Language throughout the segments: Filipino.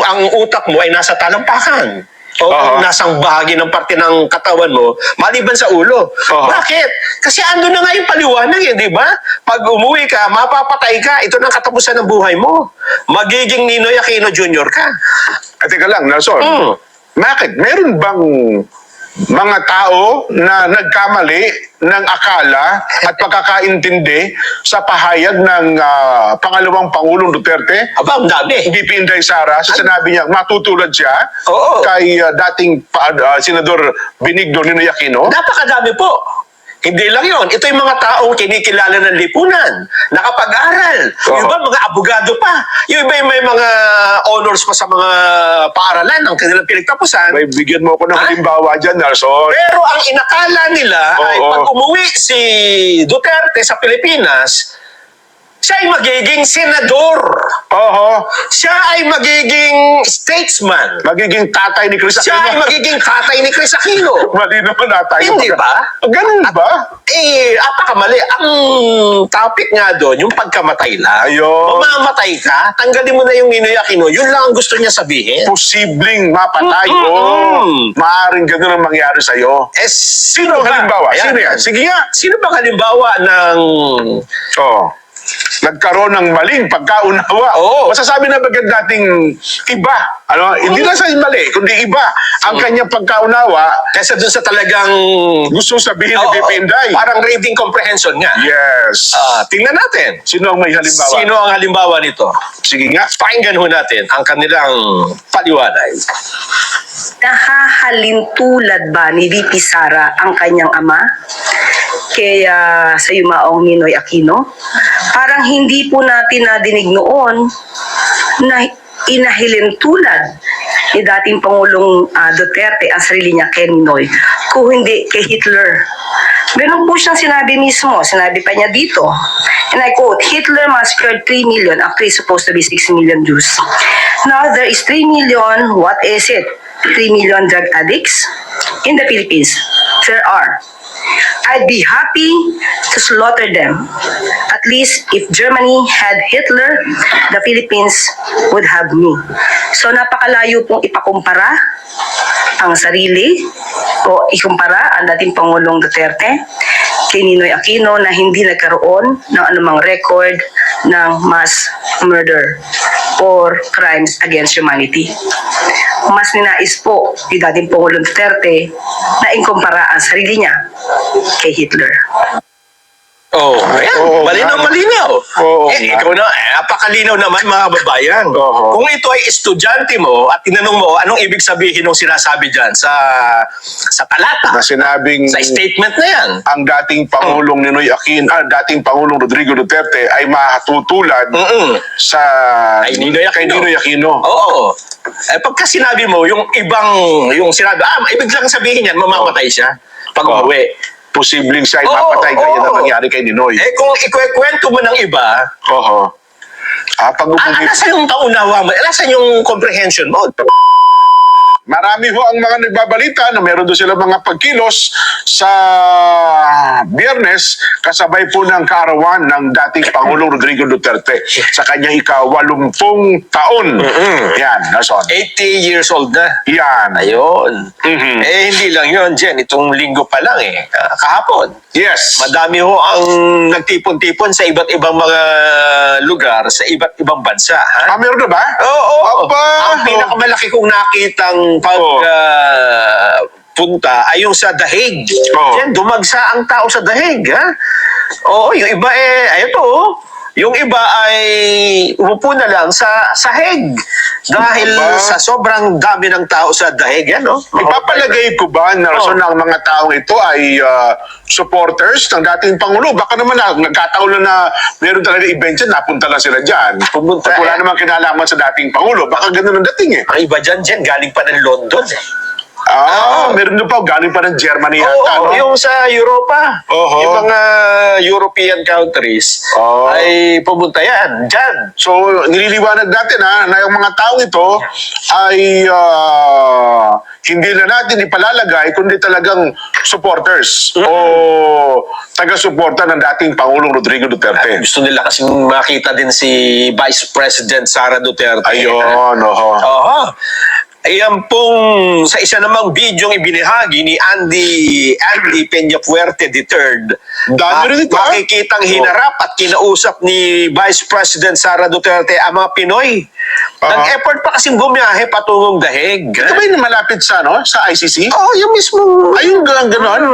ang utak mo ay nasa talampakan o kung nasang bahagi ng parte ng katawan mo, maliban sa ulo. Bakit? Kasi ando na nga yung paliwanag di ba? Pag umuwi ka, mapapatay ka. Ito na ang katapusan ng buhay mo. Magiging Ninoy Aquino Jr. ka. Teka lang, Nelson. Bakit? Meron bang mga tao na nagkamali ng akala at pagkakaintindi sa pahayag ng pangalawang Pangulong Duterte? Aba, ang dami. VP Inday Sara, sinabi niya matutulad siya kay dating Senador Benigno Ninoy Aquino? Napakadami po. Hindi lang yon. Ito yung mga taong kinikilala ng lipunan, nakapag-aral. Yung iba, mga abogado pa. Yung iba, may mga honors pa sa mga paaralan ng kanilang pinagtapusan. May bigyan mo ako ng halimbawa dyan, Nelson. Pero ang inakala nila ay pag umuwi si Duterte sa Pilipinas, siya ay magiging senador. Siya ay magiging statesman. Magiging tatay ni Chris Aquino. Siya ay magiging tatay ni Chris Aquino. Mali naman na tayo. Hindi ba? Ganun ba? Apakamali. Ang topic nga doon, yung pagkamatay lang. Ayun. Mamamatay ka, tanggalin mo na yung Ninoy Aquino. Yun lang ang gusto niya sabihin. Posibleng mapatay. Maaaring ganun ang mangyari sa'yo. Sino ang halimbawa? Sino yan? Sige nga. Sino bang halimbawa ng... nagkaroon ng maling pagkaunawa. Masasabi na bagad nating iba. Hindi lang sa mali, kundi iba ang kanyang pagkaunawa kaysa dun sa talagang gusto sabihin ni VP Inday. Parang reading comprehension nga. Yes. Tingnan natin. Sino ang may halimbawa? Sino ang halimbawa nito? Sige nga. Pakinggan ho natin ang kanilang paliwanag. Nahahalintulad ba ni VP Sara ang kanyang ama kaya sa yumaong Ninoy Aquino? Parang hindi po natin nadinig noon na inahilintulad ni dating Pangulong Duterte ang sarili niya kay Ninoy, kung hindi kay Hitler. Ganun po siyang sinabi mismo. Sinabi pa niya dito, and I quote, Hitler massacred 3 million after he's supposed to be 6 million Jews. Now there is 3 million, what is it? 3 million drug addicts in the Philippines. There are. I'd be happy to slaughter them. At least if Germany had Hitler, the Philippines would have me. So napakalayo pong ipakumpara ang sarili o ikumpara ang dating Pangulong Duterte kay Ninoy Aquino na hindi nagkaroon ng anumang record ng mass murder or crimes against humanity. Mas ninais po ni dating Pangulong Duterte na ikumpara ang sarili niya kay Hitler. Ayan. Malinaw. Ikaw na, napakalinaw naman mga babayan. Kung ito ay estudyante mo at tinanong mo anong ibig sabihin ng sinasabi dyan sa talata, na sinabing sa statement na yan, ang dating Pangulong Ninoy Aquino, dating Pangulong Rodrigo Duterte ay matutulad sa kay Ninoy Aquino. Pagka sinabi mo yung sinabi, ibig lang sabihin yan, mamamatay siya pag umuwi. Posibleng siya ay mapatay kaya na nangyari kay Ninoy. Kung ikwekwento mo ng iba, nasa yung paunawa mo, nasa yung comprehension mo. Marami ho ang mga nagbabalita na meron doon sila mga pagkilos sa Biyernes kasabay po ng kaarawan ng dating Pangulong Rodrigo Duterte sa kanyang ika-80 taon. Yan, Nelson. 80 years old na. Yan. Ayun. Hindi lang yun, Jen. Itong linggo pa lang kahapon. Yes. Madami ho ang nagtipon-tipon sa iba't ibang mga lugar, sa iba't ibang bansa. Meron na ba? Oo. Ang pinakamalaki kong nakitang punta ay yung sa Dahig. Yan, dumagsa ang tao sa Dahig. Yung iba yung iba ay umupo na lang sa sahig dahil sa sobrang dami ng tao sa Dahig. Ipapalagay ko ba, Nelson, na ang mga taong ito ay supporters ng dating Pangulo? Baka naman nagkataon na meron talaga event dyan, napunta lang sila dyan. At wala namang kinalaman sa dating Pangulo. Baka ganun ang dating Ang iba dyan, galing pa ng London. Meron doon pa, galing pa ng Germany Oo, yata, no? yung sa Europa. Oho. Yung mga European countries ay pumunta yan. Diyan. So, nililiwanag natin na yung mga taong ito ay hindi na natin ipalalagay kundi talagang supporters o taga-suporta ng dating Pangulong Rodrigo Duterte. Gusto nila kasing makita din si Vice President Sara Duterte. Ayun, oho. Oho. Ayan pong sa isa namang bidyong ibinahagi ni Andy Peñafuerte III. Dami rin ito, Makikitang hinarap at kinausap ni Vice President Sara Duterte ang mga Pinoy. Nag-effort pa kasing bumiyahe patungong Dahig. Ito ba yung malapit sa ICC? Yung mismo. Ayun, gano'n?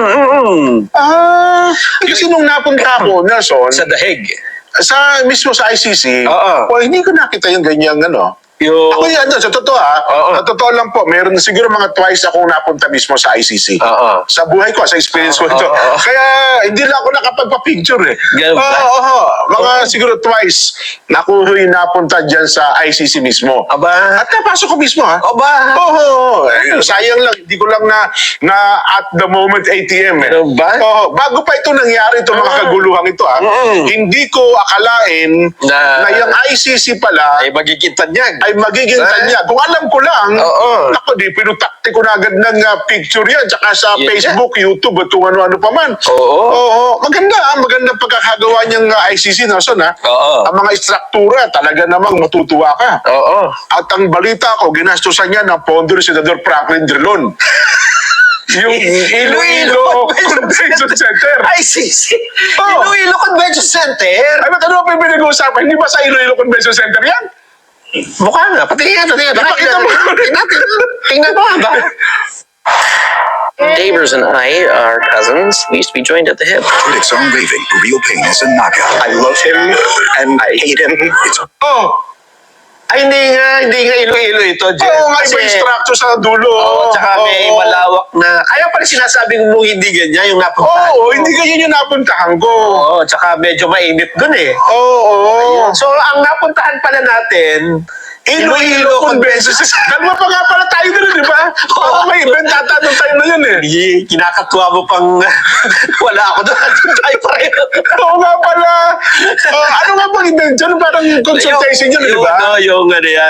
Kasi nung napunta ako, Nelson, Sa Dahig. mismo sa ICC, Oo. hindi ko nakita yung ganyang Yung... Ako yan, sa totoo sa totoo lang po, meron siguro mga twice akong napunta mismo sa ICC. Oo. Sa buhay ko, sa experience ko ito. Kaya hindi lang ako nakapagpa-picture Ganun ba? Mga siguro twice na ako napunta dyan sa ICC mismo. Aba. At napasok ko mismo Aba. Sayang lang, hindi ko lang na at the moment ATM Ganun ba? Bago pa ito nangyari, itong mga kaguluhan ito hindi ko akalain na yung ICC pala Ay magiging tanyag. ay magiging tanya. Kung alam ko lang, Oo. di pinutakti ko na agad ng picture yan, tsaka sa Yeah. Facebook, YouTube, at kung ano-ano pa man. Oo. Maganda pagkakagawa niyang ICC, Nelson, Oo. Ang mga istruktura, talaga namang matutuwa ka. Oo. At ang balita ko, ginastusan niya ng pondo ni Senador Franklin Drilon. Yung Iloilo Convention Center. ICC. Iloilo Convention Center. Ay, ba't ano pa yung pinag-uusapan? Hindi ba sa Iloilo Convention Center yan? Mukha nga. Patingin natin. Ipakita mo. Tingnan mo ba? Neighbors and I are cousins. We used to be joined at the hip. Critics are raving for real pain is a knockout. I love him and I hate him. It's Ay, hindi nga Iloilo ito, Jen. Nga iba yung structure sa dulo. Tsaka may malawak na... Kaya pala sinasabing mo hindi ganyan yung napuntahan ko. hindi ganyan yung napuntahan ko. Tsaka medyo mainit dun eh. Oo. So, ang napuntahan pala natin, Iloilo Convention Center. Dalawa pa nga pala tayo doon, di ba? May event ata doon tayo na yun eh. Kinakatuwa mo pang wala ako doon. Tayo pareho. Oo nga pala. Ano nga bang event dyan? Parang consultation yun, di ba? Yung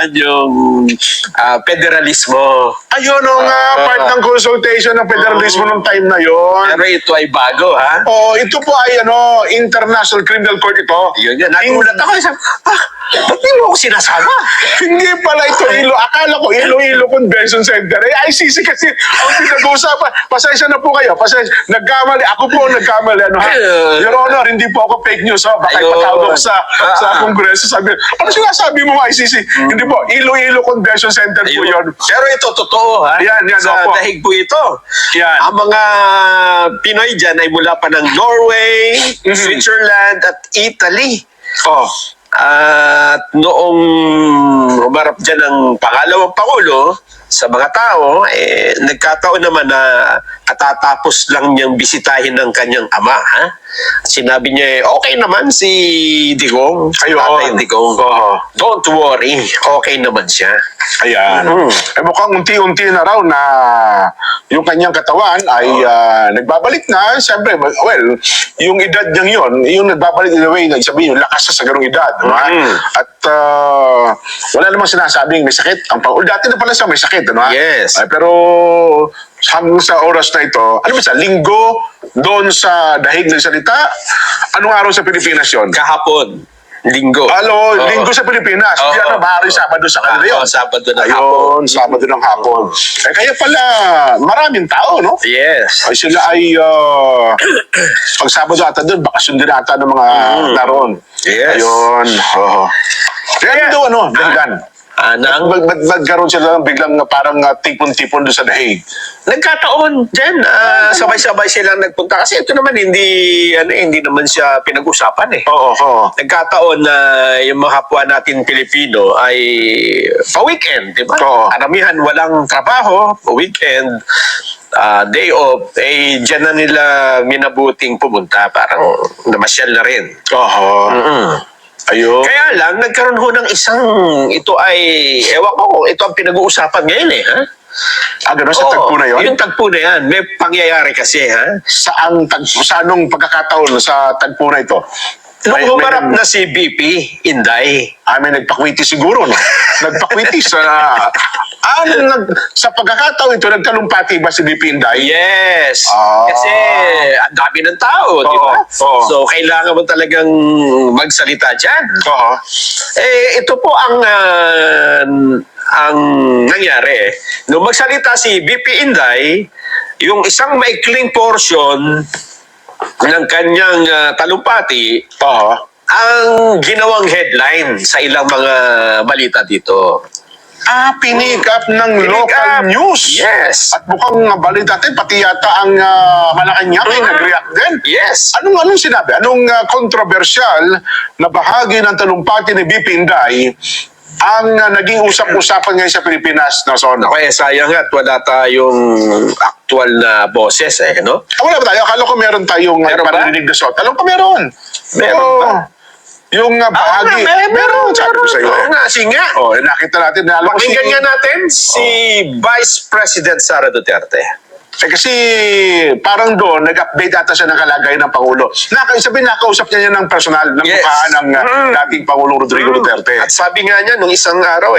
federalismo. Ayun nga, part ng consultation ng federalismo ng time na yun. Pero ito ay bago, ha? Ito po ay International Criminal Court ito. Yun yan. Nagulat ako. Ba't di mo ako sinasama? Hindi pala ito akala ko Iloilo Convention Center. ICC kasi ang pinag-uusapan. Pasensya na po kayo. Nagkamali. Ako po nagkamali. Your Honor, hindi po ako fake news. Baka ipatawag ako sa Kongreso. Sabi, ano sinasabi mo ICC? Hindi po. Iloilo Convention Center po yun. Pero ito totoo, ha? Yan, Sa opo. Dahig po ito. Yan. Ang mga Pinoy dyan ay mula pa ng Norway, Switzerland, at Italy. At noong umarap dyan ang pangalawang Pangulo, sa mga tao, nagkataon naman na katatapos lang niyang bisitahin ng kanyang ama. Ha? Sinabi niya, okay naman si Digong. Tatay Digong. Don't worry, okay naman siya. Ayan. Mukhang unti-unti na raw na yung kanyang katawan ay nagbabalik na. Siyempre, well, yung edad niyang yun, yung nagbabalik in a way, sabihin, yung lakas sa ganung edad. Diba? At wala namang sinasabing may sakit. Dati na pala siya may sakit. Diba? Yes. Pero hanggang sa oras na ito, ano ba siya, linggo doon sa Dahig ng salita? Anong araw sa Pilipinas yon? Kahapon, linggo. Linggo sa Pilipinas. Hindi maaari Sabado sa kanila yun. Sabado ng hapon. Sabado ng hapon. Kaya pala, maraming tao, no? Yes. Ay sila ay, pag Sabado ata doon, bakasyon din ata ng mga naroon. Yes. Ayun. Kaya doon, dahilan. Nagkaroon sila ng biglang parang tipon-tipon doon sa Dahig. Nagkataon dyan, sabay-sabay silang nagpunta. Kasi ito naman, hindi naman siya pinag-usapan eh. Oo. Nagkataon na yung mga kapwa natin Pilipino ay pa-weekend, di ba? Oo. Karamihan walang trabaho, pa-weekend, day off, dyan na nila minabuting pumunta. Parang namasyal na rin. Ayun. Kaya lang, nagkaroon ho ng ito ay, ewan ko kung ito ang pinag-uusapan ngayon eh, ha? Gano'n sa tagpo na yun? Yung tagpo na yan. May pangyayari kasi, ha? Sa anong pagkakataon sa tagpo na ito? Nung humarap na si BP Inday, May nagpakwiti siguro, no? Nagpakwiti sa pagkakataon ito, nagtalumpati ba si BP Inday? yes. Ah. Kasi ang dami ng tao, di ba? Oo. So, kailangan mo talagang magsalita dyan. Oo. Ito po ang nangyari. Nung magsalita si BP Inday, yung isang maikling portion ng kanyang talumpati, ang ginawang headline sa ilang mga balita dito. Pinick up ng Pinick local up. news. Yes. At mukhang balita natin, pati yata ang Malacanang ay nag-react din. Yes. Anong sinabi? Anong kontrobersyal na bahagi ng talumpati ni BP Inday ang naging usap-usapan ngayon sa Pilipinas na zona? Okay, sayang at wala tayong actual na boses, no? Wala ba tayo? Akala ko meron tayong Meron ba? parinig na sot. Alam ko meron. Meron Oo. ba? Yung bahagi. Meron. Sabi ko sa'yo. Oo nga, sige nga. Nakita natin. Alam ko Pakinggan nga natin si Vice President Sara Duterte. Kasi parang doon, nag-update ata siya ng kalagayan ng Pangulo. Nakausap niya ng personal, ng Yes. mukhaan ng dating Pangulong Rodrigo Duterte. At sabi nga niya, nung isang araw,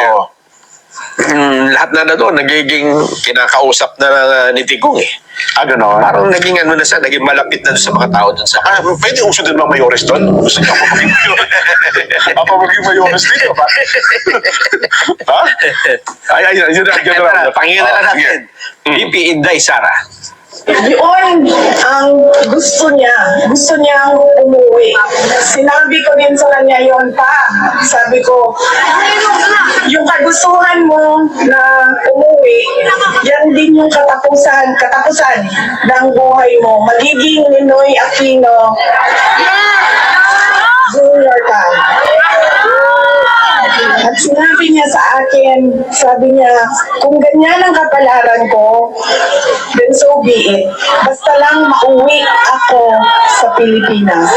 lahat na doon, nagiging kinakausap na ni Digong, Gano'n. Parang naging na siya, naging malapit na doon sa mga tao doon sa Pwede uso din mga mayores doon. Gusto niyo ako maging mayores. Ako maging mayores dito, ba? Ha? Yun na. Pakinggan na lang natin. BP Inday Sara. Yun ang gusto niyang umuwi. Sinabi ko din sa kanya yon pa. Sabi ko, yung kagustuhan mo na umuwi, yan din yung katapusan ng buhay mo. Magiging Ninoy Aquino Junior ka. At sinabi niya sa akin, sabi niya, kung ganyan ang kapalaran ko, then so be it. Basta lang mauwi ako sa Pilipinas.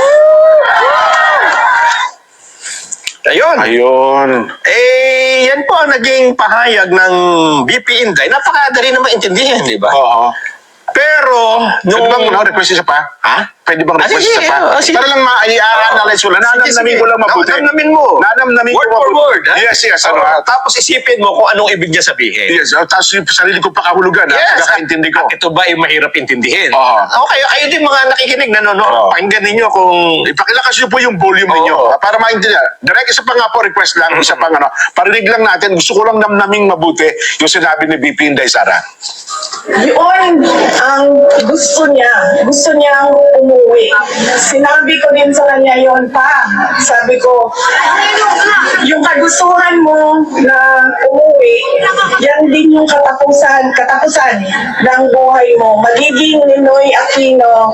Ayun. Yan po ang naging pahayag ng BP Inday. Napakadali na maintindihan, di ba? Oo. Pero, Pwede bang request isa pa? Ha? Pwede bang request sige, isa pa? sige. Para lang ma-analyze mo lang. Nanamnamin ko lang mabuti. Nanamnamin mo. Nanamnamin ko Word for mabuti. word, ha? Yes. Tapos isipin mo kung anong ibig niya sabihin. Yes. Tapos yung sarili ko pakahulugan. Pagkakaintindi ko. At ito ba ay mahirap intindihin? Oo. Okay, kayo din mga nakikinig, nanonood. Oo. Pakinggan ninyo kung... Ipakilakas niyo po yung volume ninyo para maintindihan. Direct, isa pa nga po request lang, isa pang parinig lang natin. Gusto ko lang namnaming mabuti yung sinabi ni BP Inday Sara. Yun ang gusto niyang umuwi. Sinabi ko din sa kanya yon pa. Sabi ko, yung kagustuhan mo na umuwi, yan din yung katapusan ng buhay mo. Magiging Ninoy Aquino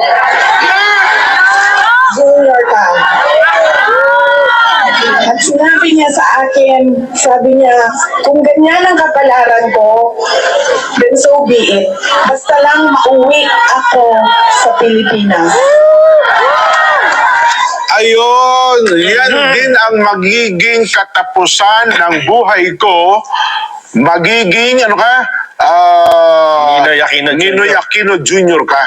Junior ka. At sinabi niya sa akin, sabi niya, kung ganyan ang kapalaran ko, then so be it. Basta lang mauwi ako sa Pilipinas. Ayun, yan din ang magiging katapusan ng buhay ko. Magiging, Ninoy Aquino Jr. Ninoy Aquino Jr. ka.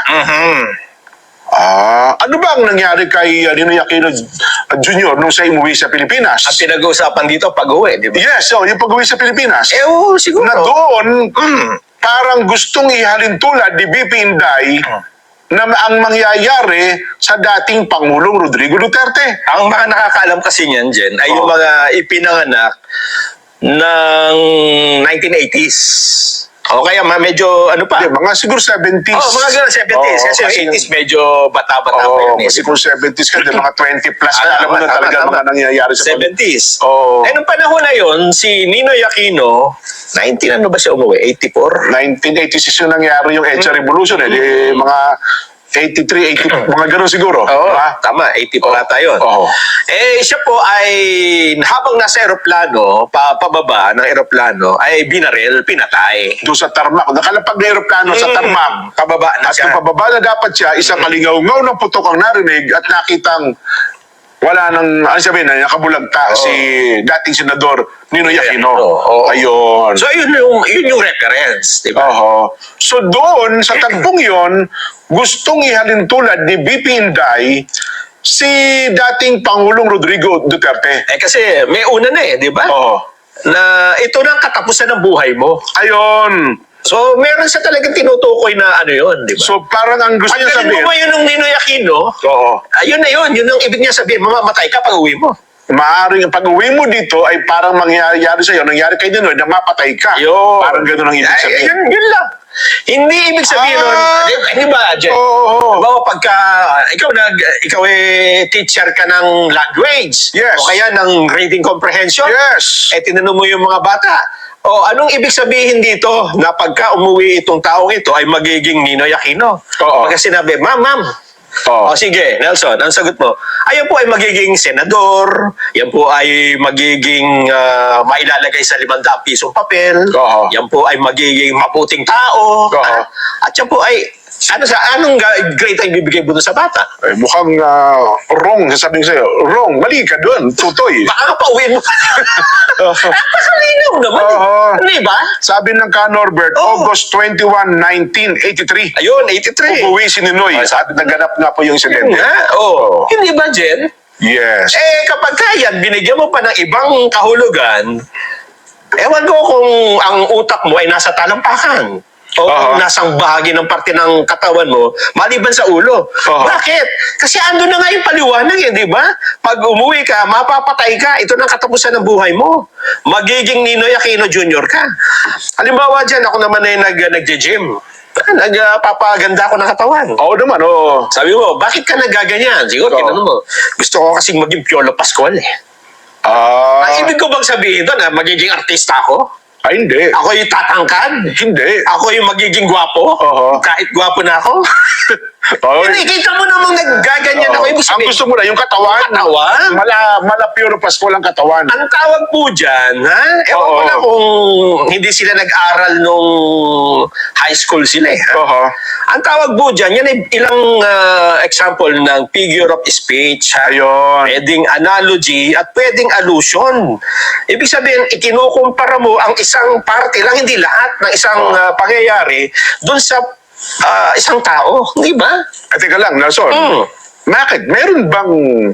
Ano ba ang nangyari kay Ninoy Aquino Jr. nung siya umuwi sa Pilipinas? At pinag-uusapan dito pag-uwi, di ba? Yes, yung pag-uwi sa Pilipinas. Siguro. Na doon, parang gustong ihalin tulad ni BP Inday na ang mangyayari sa dating Pangulong Rodrigo Duterte. Ang mga nakakaalam kasi niyan, Jen, ay yung mga ipinanganak ng 1980s. O kaya medyo ano pa? Mga siguro 70s. Mga gano'n, 70s. Kasi yung 80s medyo bata-bata pa yun. Siguro 70s ka, mga 20 plus na alam mo na talaga mga nangyayari sa 70s. Oo. Nung panahon na yun, si Ninoy Aquino, 19 ano ba siya umuwi? 84? 1986 yung nangyari yung EDSA Revolution. Di, mga 83, 80, mga gano'n siguro. Oo, Diba? tama. 80 pa ata yun. Oo. Siya po ay, habang nasa aeroplano, pababa ng aeroplano, ay binaril, pinatay. Doon sa Tarmac. Nakalapag na aeroplano sa Tarmac. Pababa na At siya. yung pababa na dapat siya, isang kalingaw-ngaw ng putok ang narinig at nakitang wala nang, ano sabihin na, nakabulagta si dating Senador Ninoy Aquino. Oo. Ayun. So yun yung reference, di ba? Oho. So doon, sa tagpong yon, gustong ihalin tulad ni BP Inday si dating Pangulong Rodrigo Duterte. Kasi may una na di ba? Oo. Na ito na ang katapusan ng buhay mo. Ayun. So meron siya talagang tinutukoy na ano yun, di ba? So parang ang gusto niya pagdating sabihin, mo yun ng Ninoy Aquino, oo, ayun na yun ang ibig niya sabihin, mamamatay ka pag uwi mo. maaaring ang pag-uwi mo dito ay parang mangyayari sa'yo, nangyari kay Ninoy na mapatay ka. Yun. Parang gano'n ang ibig sabihin. Yun lang. Hindi ibig sabihin nun, di ba, Jen? Oo. Bawa pagka, ikaw teacher ka ng language. Yes. O kaya ng reading comprehension. Yes. Tinanong mo yung mga bata. O anong ibig sabihin dito na pagka umuwi itong taong ito ay magiging Ninoy Aquino? Oo. Pagka sinabi, ma'am. Oo. O sige, Nelson, ang sagot mo. Ayan po ay magiging senador, yan po ay magiging mailalagay sa 500 pisong papel, Oo. yan po ay magiging mabuting tao, Oo. at yan po ay, anong grade ay bibigay mo doon sa bata? Ay, mukhang wrong, sasabihin sa'yo. Wrong, mali ka doon, tutoy. Baka pauwiin mo. Napakalinaw naman. Oo. Di ba? Sabi ng ka Norbert, Oo. August 21, 1983. Ayun, 83. Uuwi si Ninoy. Sabi, naganap nga po yung insidente. Oo. Hindi ba, Jen? Yes. Kapag kaya, binigyan mo pa ng ibang kahulugan, ewan ko kung ang utak mo ay nasa talampakan. O kung nasang bahagi ng parte ng katawan mo, maliban sa ulo. Bakit? Kasi ando na nga yung paliwanag di ba? Pag umuwi ka, mapapatay ka. Ito na ang katapusan ng buhay mo. Magiging Ninoy Aquino Jr. ka. Halimbawa dyan, ako naman ay nag-gym. Nagpapaganda ako ng katawan. Oo naman, oo. Sabi mo, bakit ka nagaganyan? Siguro, tinanong mo, gusto ko kasing maging Piolo Pascual Ang ibig ko bang sabihin doon na magiging artista ako? Ay, hindi. Ako yung tatangkad? Hindi. Ako yung magiging gwapo? Oo. Kahit gwapo na ako? Hindi, kita mo namang naggaganyan ako. Ibig Ang sabihin, gusto mo na, yung katawan. Katawan? Mala pure Pasko lang katawan. ang tawag po dyan, ha? Ewan ko Oo. na kung hindi sila nag-aral nung high school sila ha? Oo. Ang tawag po dyan, yan ay ilang example ng figure of speech. Ha? Ayun. Pwedeng analogy at pwedeng allusion. Ibig sabihin, ikinukumpara mo ang isang parte lang, hindi lahat ng isang pangyayari dun sa isang tao. Di ba? Teka lang, Nelson. Mm. Bakit? Meron bang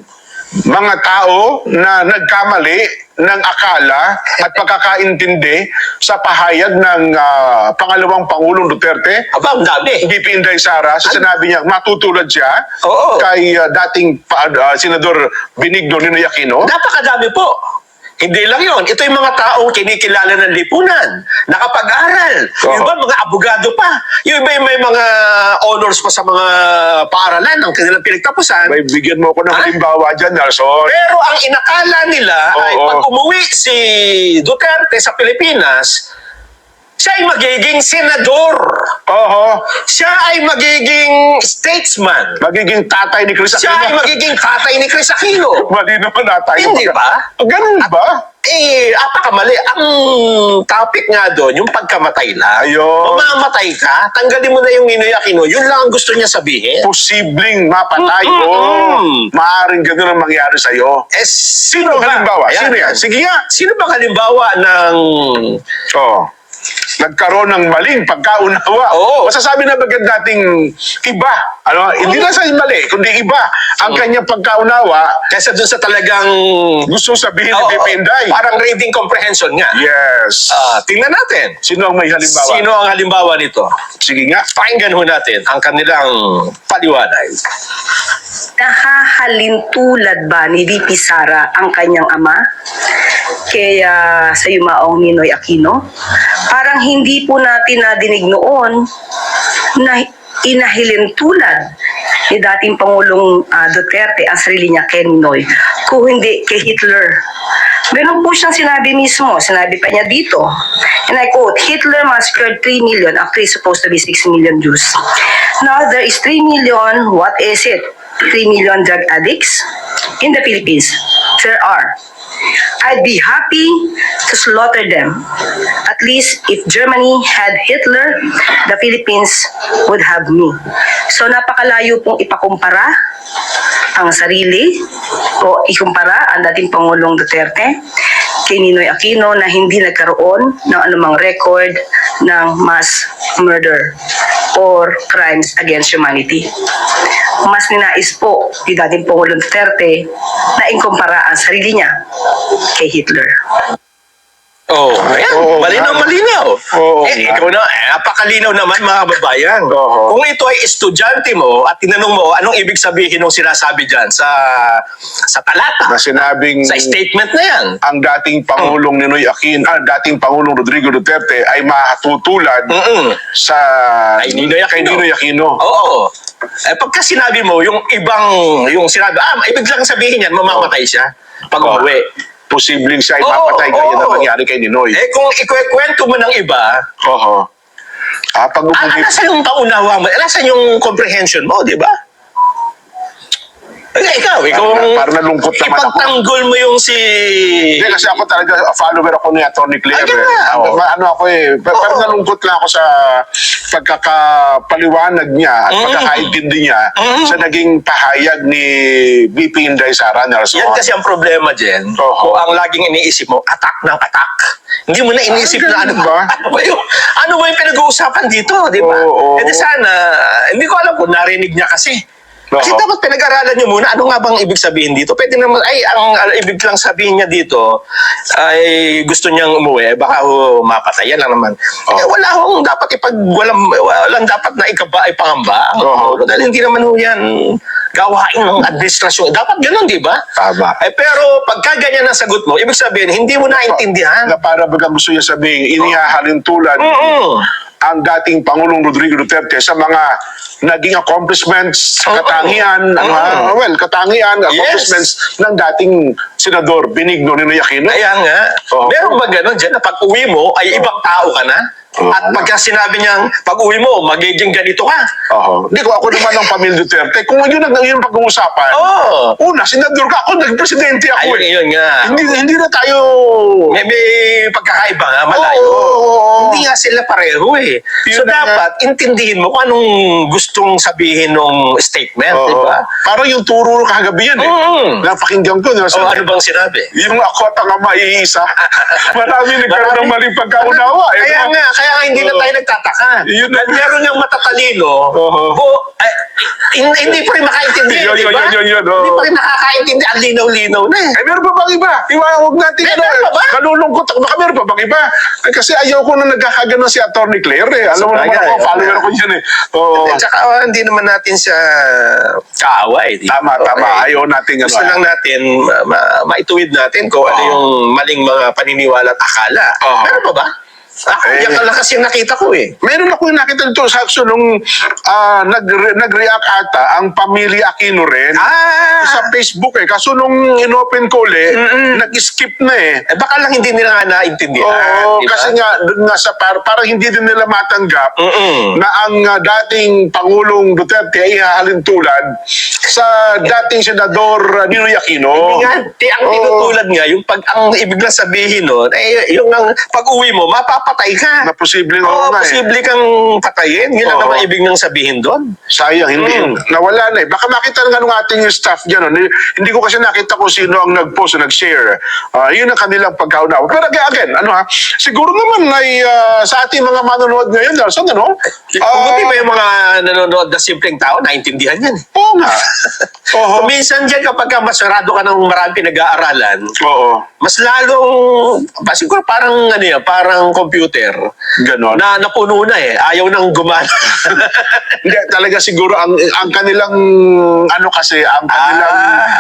mga tao na nagkamali ng akala at pagkakaintindi sa pahayag ng pangalawang Pangulong Duterte? Aba, ang dami. BP Inday Sara, sa sinabi niya, matutulad siya Oo. kay dating Senador Benigno Ninoy Aquino. Napakadami po. Hindi lang yon. Ito yung mga taong kinikilala ng lipunan, nakapag-aral. Yung iba, mga abogado pa. Yung iba, may mga honors pa sa mga paaralan ng kanilang pinagtapusan. May bigyan mo ko ng Ha? halimbawa dyan, Nelson. Pero ang inakala nila ay Oo. pag umuwi si Duterte sa Pilipinas, siya ay magiging senador. Oo. Siya ay magiging statesman. Magiging tatay ni Chris Siya ay Aquino. magiging tatay ni Chris Aquino. Mali naman na tayo. Hindi ba? Ganun ba? Apakamali. Ang topic nga doon, yung pagkamatay lang. Ayun. Mamamatay ka, tanggalin mo na yung Ninoy Aquino. Yun lang ang gusto niya sabihin. Posibleng mapatay o maaaring ganun ang mangyari sa'yo. Sino Ang halimbawa? Ayan, Sino yan? ayan. Sige nga. Sino bang halimbawa ng... Oh. Nagkaroon ng maling pagkaunawa. Oo. Masasabi na bagay dating iba. Hindi lang sa mali, kundi iba. Ang kanyang pagkaunawa, Kesa doon sa talagang... gusto sabihin ni Oo, Pepe Inday. parang reading comprehension nga. Yes. Tingnan natin. Sino ang may halimbawa? Sino ang halimbawa nito? Sige nga. Pakinggan ho natin ang kanilang paliwanag. Nahahalintulad ba ni VP Sara ang kanyang ama kaya sa yumaong Ninoy Aquino? Parang hindi po natin nadinig noon na inahilintulad ni dating Pangulong Duterte ang sarili niya kay Ninoy, kung hindi kay Hitler. Meron po siyang sinabi mismo, sinabi pa niya dito, and I quote, Hitler massacred 3 million after he's supposed to be 6 million Jews. Now there is 3 million, what is it? 3 million drug addicts in the Philippines. There are. I'd be happy to slaughter them. At least if Germany had Hitler, the Philippines would have me. So napakalayo pong ipakumpara ang sarili o ikumpara ang dating Pangulong Duterte kay Ninoy Aquino na hindi nagkaroon ng anumang record ng mass murder or crimes against humanity. Mas ninais po ni dating Pangulong Duterte na ikumpara ang sarili niya kay Hitler. Oh, ayan. Malinaw. Oo, Ikaw na, napakalinaw naman mga kababayan. Oo. Kung ito ay estudyante mo at tinanong mo, anong ibig sabihin ng sinasabi dyan sa talata? Na sinabing Sa statement na yan. ang dating Pangulong Ninoy Aquino, dating Pangulong Rodrigo Duterte ay matutulad sa Kay Ninoy Aquino. kay Ninoy Aquino. Oo. Pagka sinabi mo, yung sinabi, ibig lang sabihin yan, mamamatay siya pag umuwi. Posibleng siya ay Oo, mapatay gaya na oo. nangyari kay Ninoy. Kung ikwento mo ng iba, Oho. Pag umuwi, nasa yung paunawa mo, nasa yung comprehension mo, di ba? Ikaw, Parang nalungkot naman ako. ipagtanggol mo yung si... Hindi, kasi ako talaga, follower ako ni Atty. Claire. Ay, nga, oo. Ano ako parang nalungkot lang ako sa pagkakapaliwanag niya at pagkakaintindi niya sa naging pahayag ni VP Inday Sara Nelson. Yan kasi ang problema, Jen. Oo. Kung ang laging iniisip mo, attack ng attack. Hindi mo na iniisip na ganun ba? ano ba yung pinag-uusapan dito, di ba? Oo. E di sana, hindi ko alam kung narinig niya kasi. Kasi Oo. dapat pinag-aralan nyo muna, ano nga bang ibig sabihin dito? Pwede naman, ang ibig lang sabihin niya dito, ay gusto niyang umuwi, baka mapatayan lang naman. Wala hong dapat walang dapat na pangamba. Oo. Dahil hindi naman ho yan gawain ng administrasyon. Dapat ganun, di ba? Tama. Pero pagka ganyan ang sagot mo, ibig sabihin, hindi mo naintindihan. Na para baga gusto niya sabihin, inihahalin tulad ang dating Pangulong Rodrigo Duterte sa mga naging accomplishments, katangian, accomplishments ng dating Senador Benigno Ninoy Aquino. Kaya nga, Oo. meron ba ganun dyan na pag uwi mo ay ibang tao ka na? At pagka sinabi niyang pag uwi mo, magiging ganito ka. Hindi ko ako naman ng pamilya Duterte. Kung yun ang pag-uusapan, una, senador ka, ako, nagpresidente ako. Ayun nga. Hindi na tayo... May pagkakaiba nga, malayo. Oo. Hindi nga sila pareho eh. So Yun na dapat, intindihin mo kung anong gustong sabihin ng statement, di ba? Parang yung turo kagabi yan eh. Napakinggan ko. O ano bang sinabi? Yung ako at ang ama iisa. Marami nagkaroon ng maling pagkaunawa. Kaya nga hindi na tayo nagtataka. Yun na. At meron yung matatalino, hindi pa rin makaintindi, Yun, di ba? yun, Hindi pa rin nakakaintindi. Ang linaw-linaw na eh. Meron pa bang iba? Huwag natin Meron pa ba? kalulungkot ako. Baka meron pa bang iba? Kasi ayaw ko na nagkakaganon si Atty. Claire eh. Alam mo naman Sabagay, ako, follower ko yun eh. At saka hindi naman natin siya kaaway. di ba? Tama. Ayaw natin Gusto lang natin maituwid natin kung ano yung maling mga paniniwala at akala. Meron pa ba? Yan ka lang kasi nakita ko eh. Meron ako yung nakita nito sa action nung nag-react ata ang pamilya Aquino rin sa Facebook eh. Kaso nung inopen ko ulit, nag-skip na eh. Baka lang hindi nila nga naintindihan. Oo, di ba? kasi nga, dun nga sa parang hindi din nila matanggap na ang dating Pangulong Duterte ay ihahalin tulad sa dating Senador Ninoy Aquino. Hindi nga, ang tinutulad nga, ang ibig lang sabihin nun, yung pag-uwi mo, mapapatay ka. Na posibleng Oo, nga eh. posible kang patayin. Yun lang Oo. naman ibig nang sabihin doon. Sayang, hindi. Nawala na eh. Baka makita nga nung ating staff dyan. Hindi ko kasi nakita kung sino ang nag-post o nag-share. Yun ang kanilang pagkaunawa. Pero again, siguro naman ay sa ating mga manonood ngayon, Nelson, Buti ba yung mga nanonood na simpleng tao, naintindihan yan. Oo nga. Oo. Minsan dyan kapag masarado ka ng maraming pinag-aaralan, Oo. mas lalong, siguro parang computer. Ganon. Na napuno na eh. Ayaw nang gumana. Hindi, talaga siguro ang kanilang ang kanilang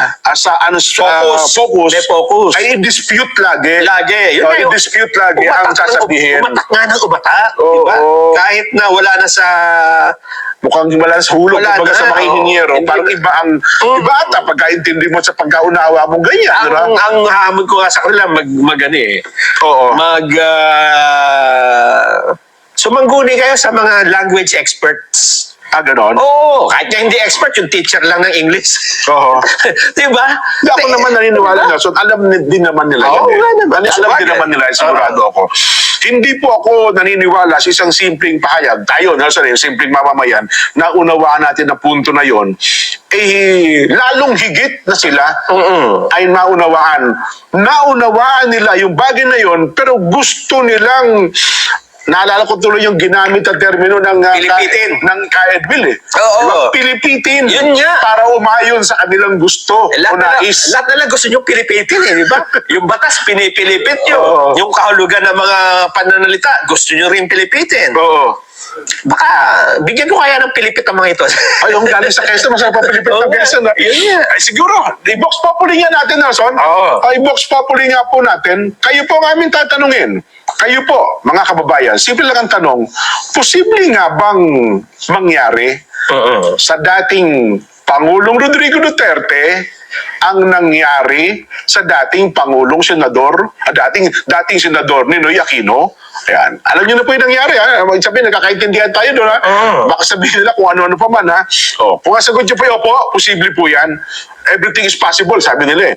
focus May focus. ay i-dispute lagi. Lagi. Yun Oh, na yun. i-dispute lagi ang Umatak sasabihin. Umatak nga ng umatak. Oo. Diba? Kahit na wala na sa... Mukhang wala sa hulog Wala kumbaga na, sa mga oo. inhinyero. Hindi- Parang iba ata pagkaintindi mo sa pagkaunawa mo ganyan. Diba? Ang hamon ko nga sa kanila, Oo. sumangguni kayo sa mga language experts. Ganon? Oo, kahit nga hindi expert, yung teacher lang ng English. Oo. Di ba? Hindi ako naman naniniwala na. So, alam din naman nila Oo, yan. nga naman. Alam din Sabagay. naman nila, sigurado ako. Hindi po ako naniniwala sa isang simpleng pahayag. Tayo, Nelson, yung simpleng mamamayan, na unawaan natin na punto na yon, lalong higit na sila ay maunawaan. Naunawaan nila yung bagay na yon, pero gusto nilang. Naalala ko tuloy yung ginamit na termino ng Pilipitin. ng Kaedbil eh. Oo. Diba? Pilipitin. Yun nga. Para umayon sa kanilang gusto o nais. Lahat na lang gusto nyo pilipitin di ba? Yung batas, pinipilipit nyo. Oo. Yung kahulugan ng mga pananalita, gusto nyo rin pilipitin. Oo. Baka, bigyan ko kaya ng pilipit ang mga ito. Ay, yung galing sa Quezon, masarap ang Pilipit Oo ng nga. Quezon. Yun nga. Ay, siguro, i-box populi nga natin, Nelson. Oo. I-box populi nga po natin. Kayo po ang aming tatanungin. Kayo po, mga kababayan, simple lang ang tanong, posible nga bang mangyari sa dating Pangulong Rodrigo Duterte ang nangyari sa dating Pangulong Senador, dating Senador Ninoy Aquino? Ayan. Alam niyo na po yung nangyari, ha? Sabihin, nagkakaintindihan tayo doon, ha? Baka sabihin nila kung ano-ano pa man, ha? Kung ang sagot niyo po, opo, posible po yan. Everything is possible, sabi nila eh.